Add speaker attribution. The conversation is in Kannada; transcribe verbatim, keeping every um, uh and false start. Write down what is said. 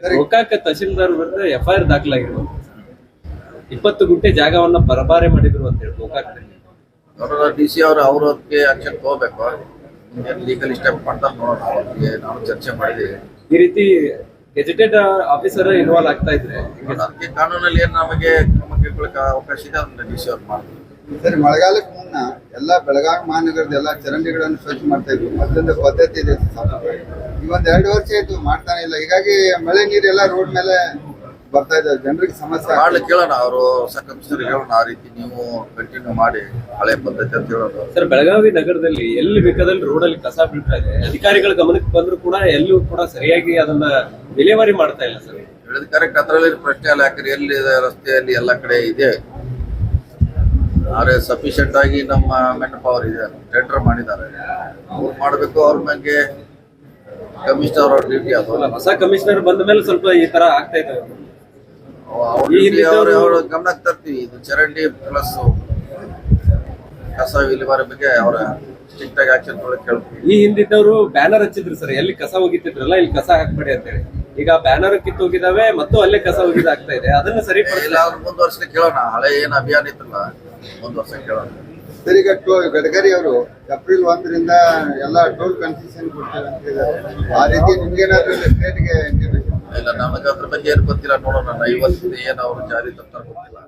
Speaker 1: ಗೋಕಾಕ ತಹಶೀಲ್ದಾರ್ ವಿರುದ್ಧ ಎಫ್ಐಆರ್ ದಾಖಲಾಗಿರುವ ಇಪ್ಪತ್ತು ಗುಂಟೆ ಜಾಗವನ್ನ ಪರಬಾರೆ ಮಾಡಿದ್ರು ಅಂತ ಹೇಳಿ ಗೋಕಾಕದಲ್ಲಿ
Speaker 2: ಅವರ ಡಿ ಸಿ ಅವರು ಅವ್ರಕ್ಕೆ ಆಕ್ಷನ್ ತಗೋಬೇಕು. ಲೀಗಲ್ ಸ್ಟೆಪ್ ಮಾಡ್ತಾರೆ ನೋಡೋಣ. ಅವ್ರಿಗೆ ನಾವು ಚರ್ಚೆ ಮಾಡಿದ್ದೀವಿ.
Speaker 1: ಈ ರೀತಿ ಗೆಜೆಟೆಡ್ ಆಫೀಸರ್ ಇನ್ವಾಲ್ವ್ ಆಗ್ತಾ ಇದ್ರೆ
Speaker 2: ಅದಕ್ಕೆ ಕಾನೂನಲ್ಲಿ ಏನು ನಮಗೆ ಕ್ರಮ ಕೈಗೊಳ್ಳಕ್ಕೆ ಅವಕಾಶ ಇದೆ ಅದನ್ನ ಡಿ ಸಿ ಅವ್ರು ಮಾಡ್ತಾರೆ.
Speaker 3: ಸರಿ, ಮಳೆಗಾಲಕ್ಕೆ ಮುನ್ನ ಎಲ್ಲ ಬೆಳಗಾವಿ ಮಹಾನಗರದ ಎಲ್ಲ ಚರಂಡಿಗಳನ್ನು ಸ್ವಚ್ಛ ಮಾಡ್ತಾ ಇದ್ವಿ. ಮೊದಲಿಂದ ಪದ್ಧತಿ ಇದೆ. ಈ ಒಂದ್ ಎರಡು ವರ್ಷ ಆಯ್ತು ಮಾಡ್ತಾನೆ ಇಲ್ಲ. ಹೀಗಾಗಿ ಮಳೆ ನೀರೆಲ್ಲ ರೋಡ್ ಮೇಲೆ ಬರ್ತಾ ಇದ್ದಾರೆ, ಜನರಿಗೆ ಸಮಸ್ಯೆ
Speaker 2: ಮಾಡ್ಲಿಕ್ಕೆ ಕೇಳೋಣ. ಅವರು ಕಮಿಷನರ್ ಹೇಳೋಣ, ಆ ರೀತಿ ನೀವು ಕಂಟಿನ್ಯೂ ಮಾಡಿ ಹಳೆ ಪದ್ಧತಿ ಅಂತ ಹೇಳೋದು.
Speaker 1: ಸರ್, ಬೆಳಗಾವಿ ನಗರದಲ್ಲಿ ಎಲ್ಲಿ ಬೇಕಾದಲ್ಲಿ ರೋಡಲ್ಲಿ ಕಸ ಬೀಳ್ತಾ ಇದೆ. ಅಧಿಕಾರಿಗಳ ಗಮನಕ್ಕೆ ಬಂದ್ರು ಕೂಡ ಎಲ್ಲೂ ಕೂಡ ಸರಿಯಾಗಿ ಅದನ್ನ ವಿಲೇವಾರಿ ಮಾಡ್ತಾ ಇಲ್ಲ ಸರ್.
Speaker 2: ಹೇಳಿದ ಕರೆಕ್ಟ್. ಅದರಲ್ಲಿ ಪ್ರಶ್ನೆ ಅಲ್ಲ, ಯಾಕಂದ್ರೆ ಎಲ್ಲಿ ರಸ್ತೆಯಲ್ಲಿ ಎಲ್ಲ ಕಡೆ ಇದೆ. ಆದ್ರೆ ಸಫಿಶಿಯಂಟ್ ಆಗಿ ನಮ್ಮ ಮೆನ್ ಪವರ್ ಇದೆ, ಟೆಂಡರ್ ಮಾಡಿದ್ದಾರೆ, ಅವ್ರು ಮಾಡಬೇಕು. ಅವ್ರ ಬಗ್ಗೆ ಕಮಿಷನರ್ ಅವ್ರ ಡ್ಯೂಟಿ ಅದು.
Speaker 1: ಹೊಸ ಕಮಿಷನರ್ ಬಂದ ಮೇಲೆ ಸ್ವಲ್ಪ ಈ ತರ ಆಗ್ತಾ ಇದೆ.
Speaker 2: ಅವ್ರ ಗಮನಕ್ಕೆ ತರ್ತೀವಿ. ಇದು ಚರಂಡಿ ಪ್ಲಸ್ ಕಸ ವಿಲೇವಾರಿ ಬಗ್ಗೆ ಅವರ ಸ್ಟ್ರಿಕ್ಟ್ ಆಗಿ ಆಕ್ಷನ್ ತೊಗೊಳಕ್ ಹೇಳ್ತೀವಿ.
Speaker 1: ಈ ಹಿಂದಿದ್ದವರು ಬ್ಯಾನರ್ ಹಚ್ಚಿದ್ರು ಸರ್, ಎಲ್ಲಿ ಕಸ ಹೋಗಿತ್ತಿದ್ರಲ್ಲ ಇಲ್ಲಿ ಕಸ ಹಾಕ್ಬೇಡಿ ಅಂತ ಹೇಳಿ. ಈಗ ಬ್ಯಾನರ್ ಕಿತ್ತು ಹೋಗಿದಾವೆ ಮತ್ತು ಅಲ್ಲೇ ಕಸ ಹೋಗಿದ ಆಗ್ತಾ ಇದೆ. ಅದನ್ನ ಸರಿಪಡಿಸಿಲ್ಲ.
Speaker 2: ಅವ್ರು ಮುಂದುವರ್ಸಲಿಕ್ಕೆ ಕೇಳೋಣ. ಹಳೆ ಏನ್ ಅಭಿಯಾನ ಇತ್ತಲ್ಲ ಮುಂದುವರ್ಸಕ್ಕೆ ಕೇಳೋಣ.
Speaker 3: ಸರ್, ಈಗ ಗಡ್ಕರಿ ಅವರು ಏಪ್ರಿಲ್ ಒಂದರಿಂದ ಎಲ್ಲ ಟೋಲ್ ಕನ್ಸೆಷನ್ ಕೊಡ್ತಾರೆ ಅಂತ ಹೇಳಿದ್ದಾರೆ. ಆ ರೀತಿ ನಿಮ್ಗೇನಾದ್ರೂ ಸ್ಟೇಟ್ಗೆ
Speaker 2: ಇಲ್ಲ, ನಮಗೆ ಅದ್ರ ಬಗ್ಗೆ ಏನು ಗೊತ್ತಿಲ್ಲ. ನೋಡೋಣ. ಇವತ್ತಿನ ಏನು ಅವರು ಜಾರಿ ತರ್ತಾರೆ ಗೊತ್ತಿಲ್ಲ.